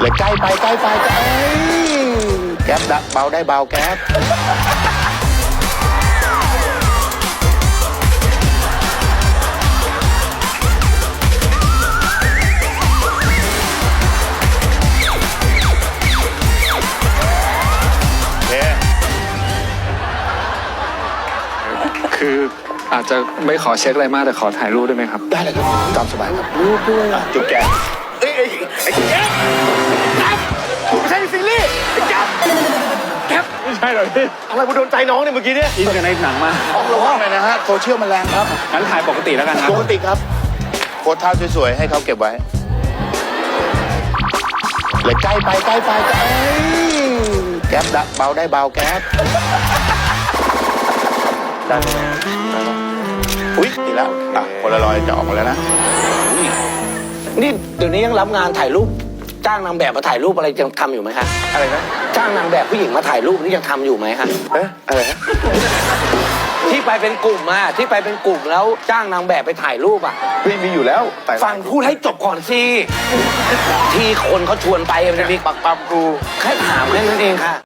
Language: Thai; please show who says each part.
Speaker 1: เลยใกล้ไปใกล้ไปเอ้ยแก๊ปเบาได้เบาแก๊ป
Speaker 2: คืออาจจะไม่ขอเช็คอะไรมากแต่ขอถ่ายรูปได้ไหมครับ
Speaker 1: ได้เลยครับตามสบายครับรูปด้วยจุ๊บแก๊ปไอ้แก๊ปไม่ใช่ซีรีส์ไอ้แก๊ป
Speaker 2: ไม่ใช่หรอพี่
Speaker 1: อะไรกูโดนใจน้องเนี่ยเมื่อกี้เนี่ย
Speaker 2: อินกับในหนังมาก
Speaker 1: ออกระวังหน่อยนะฮะโซเชียลมันแรงครับ
Speaker 2: งั้นถ่ายปกติแล้วกันครับ
Speaker 1: ปกติครับโพสท่าสวยๆให้เขาเก็บไว้เลยใกล้ไปใกล้ไปเอ้ยแก๊ปเบาได้เบาแก๊ปได้ไหมอุ๊ยดีแล้วคนละรอยจะออกมาแล้วนะ
Speaker 3: นี่เดี๋ยวนี้ยังรับงานถ่ายรูปจ้างนางแบบมาถ่ายรูปอะไรยังทำอยู่ไหมคะ
Speaker 1: อะไรนะ
Speaker 3: จ้างนางแบบผู้หญิงมาถ่ายรูปนี่ยังทำอยู่ไหมคะ
Speaker 1: อะไรนะ
Speaker 3: ที่ไปเป็นกลุ่มอะที่ไปเป็นกลุ่มแล้วจ้างนางแบบไปถ่ายรูปอะ
Speaker 1: ไม่มีอยู่แล้วแต่
Speaker 3: ฟังพูดให้จบก่อนสิที่คนเขาชวนไปมันมีปักปั๊มกูแค่ถามแค่นั้นเองค่ะ